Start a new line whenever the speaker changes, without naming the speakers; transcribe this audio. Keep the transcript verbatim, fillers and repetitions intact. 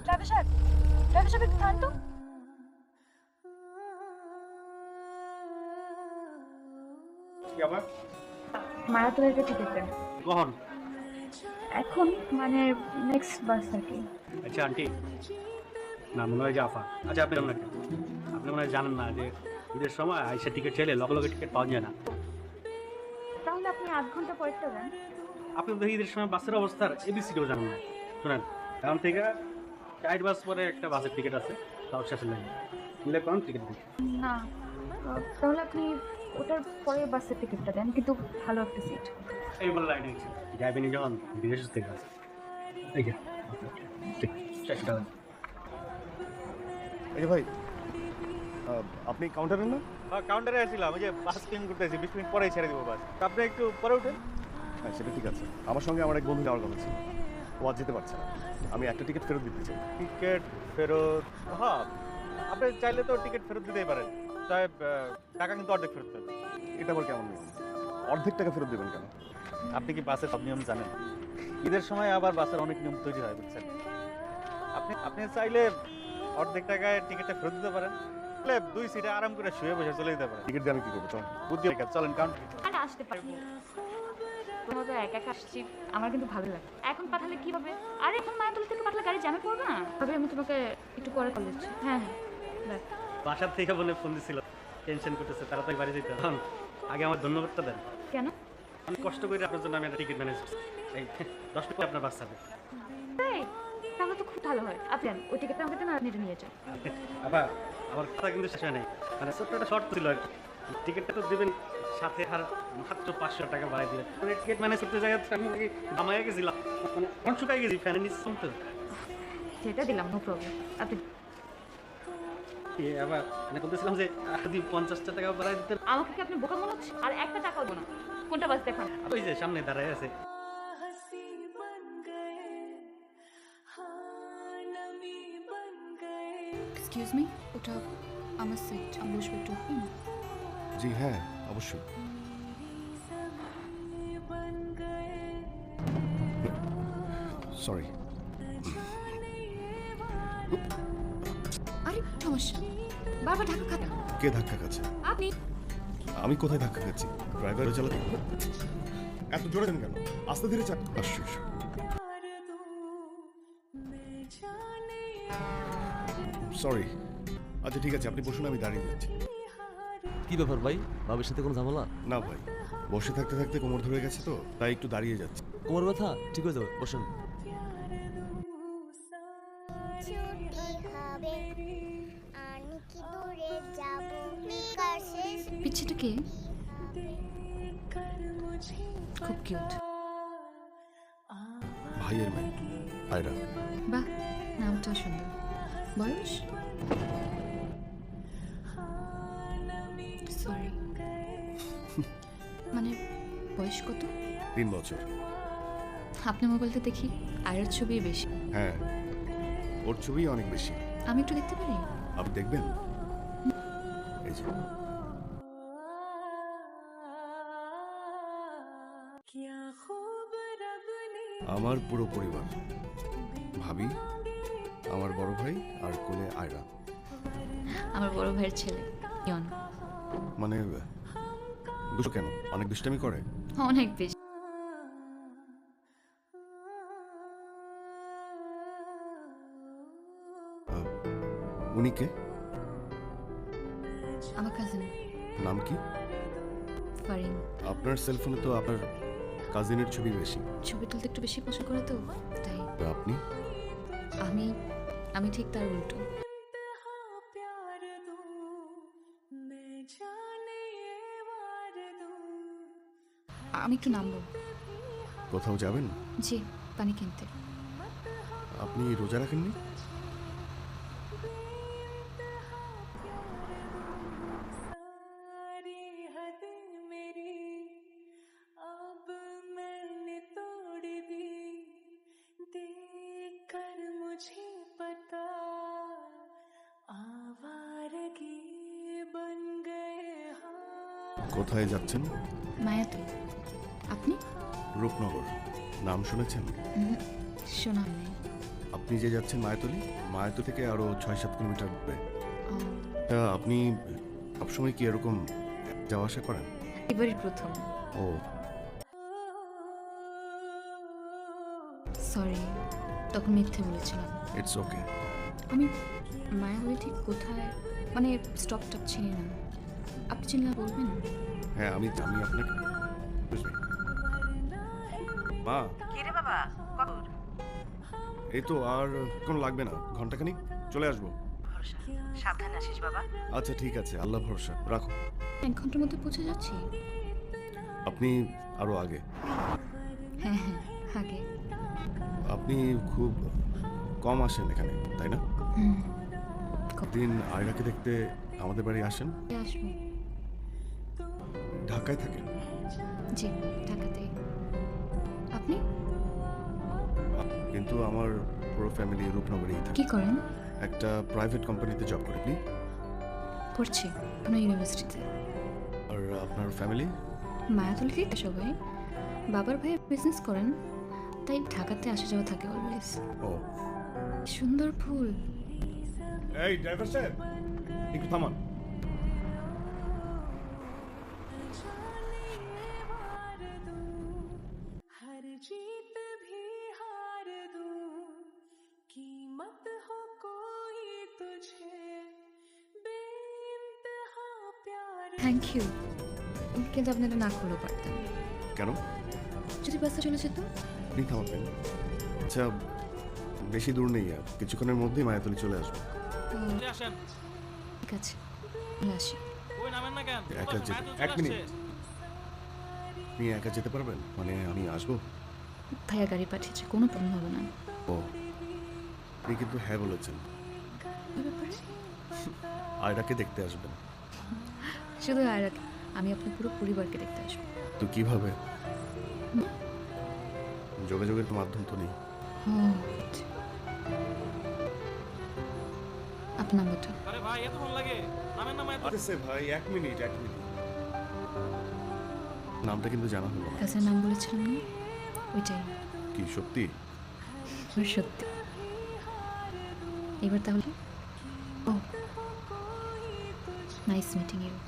Driver সাহেব, driver সাহেব একটু থাম তো।
কি আবার?
মারাথনের একটা টিকিট দেন।
কখন?
এখন মানে নেক্সট বাস আর কি।
আচ্ছা আন্টি, না মনে হয় যে আফা। আচ্ছা আপনি জানেন না কেন? আপনি মনে হয় জানেন না যে ঈদের সময় আইসা টিকিট চাইলে লগে লগে টিকিট পাওয়া যায় না।
তাহলে আপনি আধ ঘন্টা পরেরটা দেন।
আপনি তো ঈদের সময় বাসের অবস্থার এবিসিডিও জানেন না। শোনেন, এখন থেকে চার বাস পরে একটা বাসের টিকিট আছে, তাও শেষে লাগে মিলে কোন টিকিট দিন।
না আহ, তাহলে আপনি ওটার পরে বাসের টিকিটটা দেন, কিন্তু ভালো একটা সিট।
এই বলে লাইনে গেছে যাইবেনি যখন বিদেশ থেকে আছে। এই যে ঠিক চারশো টাকা।
এই যে ভাই, আহ, আপনি কাউন্টারে না?
হ্যাঁ কাউন্টারে আসছিলাম, ওই যে বাস ক্লিন করতেছি, বিশ মিনিট পরেই ছেড়ে দেবো বাস। আপনি একটু পরে উঠেন।
হ্যাঁ সেটা ঠিক আছে। আমার সঙ্গে আমার এক বন্ধু যাওয়ার কথা ছিল, ও আজ যেতে পারছে না। আমি একটা টিকিট ফেরত দিতে চাই।
টিকিট ফেরত? হ্যাঁ আপনি চাইলে তো টিকিট ফেরত দিতেই পারেন, তাই টাকা কিন্তু অর্ধেক ফেরত দেবেন।
এটা আবার কেমন নিয়ম? অর্ধেক টাকা ফেরত দেবেন কেন?
আপনি কি বাসের সব নিয়ম জানেন? ঈদের সময় আবার বাসের অনেক নিয়ম তৈরি হয়, বুঝছেন? আপনি আপনি চাইলে অর্ধেক টাকায় টিকিটটা ফেরত দিতে পারেন, তাহলে দুই সিটে আরাম করে শুয়ে বসে চলে যেতে পারেন।
টিকিট দিয়ে আমি কি করবো? চল।
বুদ্ধি রেখে চলেন কাউন্টার।
আর আসতে পারবো, তোমার তো একা একা আসছি, আমার কিন্তু ভালো লাগে। এখন পাঠালে কি হবে? আর এখন মায়াতলা থেকে পাঠালে গাড়ি জ্যামে পড়বে না? ভাবে আমি তোমাকে একটু পরে কল দিচ্ছি। হ্যাঁ হ্যাঁ দেখ।
বাসার থেকে বলে ফোন দিছিল, টেনশন করতেছে, তাড়াতাড়ি বাড়ি যেতে হবে। আগে আমার ধন্যবাদটা দেন।
কেন?
আমি কষ্ট করে আপনার জন্য আমি একটা টিকিট ম্যানেজ করছি। এই দশ মিনিট পরে আপনার বাস যাবে।
তাই? তাহলে তো খুব ভালো হয়। আপনি আন, ওই টিকিটটা আমাকে দেন আর আপনি এটা নিয়ে যান।
আবার আমার কথা কিন্তু শেষ হয় নাই, মানে ছোট্ট একটা শর্ট ছিল আর কি। টিকিটটা তো দেবেন, সাথে আর মাত্র পাঁচশো টাকা বাড়াই দিলেন। মানে টিকিট ম্যানেজ করতে যাই আমি দামাইয়া গেছিলাম, মানে অন শুকাই গেছি ফ্যানের নিচে তো।
সেটা দিলাম, নো প্রবলেম। আপনি
এ আবার মানে বলতেছিলাম যে যদি পঞ্চাশটা টাকা বাড়াই দিতেন।
আমাকে কি আপনি বোকা মনে হচ্ছে? আর একটা টাকাও দেবো না। কোনটা বাস দেখান?
ওই যে সামনে দাঁড়ায় আছে।
এক্সকিউজ মি, ওটা আমার সিট, আমি বসবো একটু।
জি হ্যাঁ অবশ্যই। সরি।
আরে সমস্যা, বারবার ঢাকা খাতা।
কে ধাক্কা খাচ্ছে?
আপনি।
আমি কোথায় ধাক্কা খাচ্ছি? ড্রাইভারও চালাতে এত জোরে দেন কেন? আস্তে ধীরে চাপ। আশ্চর্য। সরি। আচ্ছা ঠিক আছে, আপনি বসুন, আমি দাঁড়িয়ে যাচ্ছি।
কি ব্যাপার ভাই, ভাবির সাথে কোনো ঝামেলা?
না ভাই, বসে থাকতে থাকতে কোমর ধরে গেছে তো, তাই একটু দাঁড়িয়ে যাচ্ছি।
কোমর ব্যথা ঠিক হয়ে যাবে, বসেন।
পিচ্ছিটা কে? খুব কিউট।
ভাইয়ের মেয়ে আয়রা।
বাহ, নামটা সুন্দর। বয়স? সরি, মানে বয়স কত?
তিন বছর।
আপনার মোবাইলটা দেখি, আয়ের ছবি বেশি।
হ্যাঁ, ওর ছবি অনেক বেশি।
আমি একটু দেখতে পারি?
আপনি দেখবেন? এই যে। আমার পুরো পরিবার, ভাবি, আমার বড় ভাই আর কোলে আয়রা।
আমার বড় ভাইয়ের ছেলে ইয়ন।
মানে দুষ্ট কেন? অনেক দুষ্টামি করে?
অনেক বেশি।
আহ, উনি কে?
আমার কাজিন
নাম কি?
ফারিন।
আপনার সেলফোনে তো আপনার কাজিনের ছবি বেশি।
ছবি তুলতে একটু বেশি পছন্দ করে তো, তাই।
আর আপনি?
আমি আমি ঠিক তার উল্টো। আমি একটু নামবো।
কোথাও যাবেন?
জি, পানি কিনতে।
আপনি রোজা রাখেননি? কোথায় যাচ্ছেন?
মায়াতুল। আপনি?
রূপনগর। নাম শুনেছেন?
উম, শোনা নেই।
আপনি যে যাচ্ছেন মায়াতলি, মায়াতলি থেকে আরো ছয় সাত কিলোমিটার দূরে।
ও,
তা আপনি সবসময় কি এরকম যাওয়া আসা করেন?
এবারই প্রথম।
ও
সরি, তখন মিথ্যে বলেছিলাম।
It's okay.
আমি মায়াবলী ঠিক কোথায়, মানে স্টপ টপ চিনি না। আপনি চিনলে বলবেন?
হ্যাঁ আমি আমি আপনাকে বুঝলি মা।
কিরে বাবা কত দূর?
এই তো আর কোনো লাগবে না, ঘন্টাখানিক চলে আসবো।
ভরসা, সাবধানে আসিস বাবা।
আচ্ছা ঠিক আছে, আল্লাহ ভরসা, রাখো।
এক ঘন্টার মধ্যে পৌঁছে যাচ্ছি।
আপনি আরো আগে।
হ্যাঁ হ্যাঁ, আগে।
আপনি খুব কম আসেন এখানে, তাই না?
হুম,
দিন আয়রাকে দেখতে আমাদের বাড়ি আসেন।
কবে আসবো?
ঢাকায় থাকেন?
জি, ঢাকাতেই। আপনি
কিন্তু আমার পুরো ফ্যামিলি রূপনগরেই থাকে।
কি করেন?
একটা প্রাইভেট কোম্পানিতে জব করেন আপনি?
পড়ছি কোনো ইউনিভার্সিটিতে।
আর আপনার ফ্যামিলি?
মায়াতলিতেই তো সবাই। বাবার ভাই বিজনেস করেন, তাই ঢাকাতে আসা যাওয়া থাকে অলওয়েজ।
ও
সুন্দর ফুল।
এই ড্রাইভার সাহেব, একটু থামান।
हर जीत भी हार दूं, कीमत हो कोई तुझे बेइंतहा प्यार।
থ্যাংক ইউ, কিন্তু আপনি এটা না করলেও পারতেন।
কেন?
যদি বাসে চলে যেত?
আপনি থামাবেন? আচ্ছা বেশি দূর নেই, আর কিছুক্ষণের মধ্যেই মায়াতলি চলে আসবো।
তো
আসেন,
ঠিক আছে, আমি আসি।
ওই নামেন না কেন?
একা যেতে এক মিনিট, আপনি একা যেতে পারবেন? মানে আমি আসবো?
ভাইয়া গাড়ি পাঠিয়েছে, কোনো প্রবলেম হবে না।
ও আপনি কিন্তু হ্যাঁ বলেছেন।
কি ব্যাপারে?
আয়রাকে দেখতে আসবেন?
শুধু আর আমি আপনার পুরো পরিবারকে দেখতে আসবো।
তো কিভাবে? যোগাযোগের তো মাধ্যম তো নেই।
ও, আপনার নাম্বারটা?
আরে ভাই এত ফোন লাগে, নামেন না মায়ের।
আরে সে ভাই এক মিনিট এক মিনিট, নামটা কিন্তু জানা হলো না।
কাছের নাম বলেছিলাম না, ওইটাই।
কি সত্যি?
ওর সত্যি। এবার তাহলে, ও নাইস মিটিং ইউ।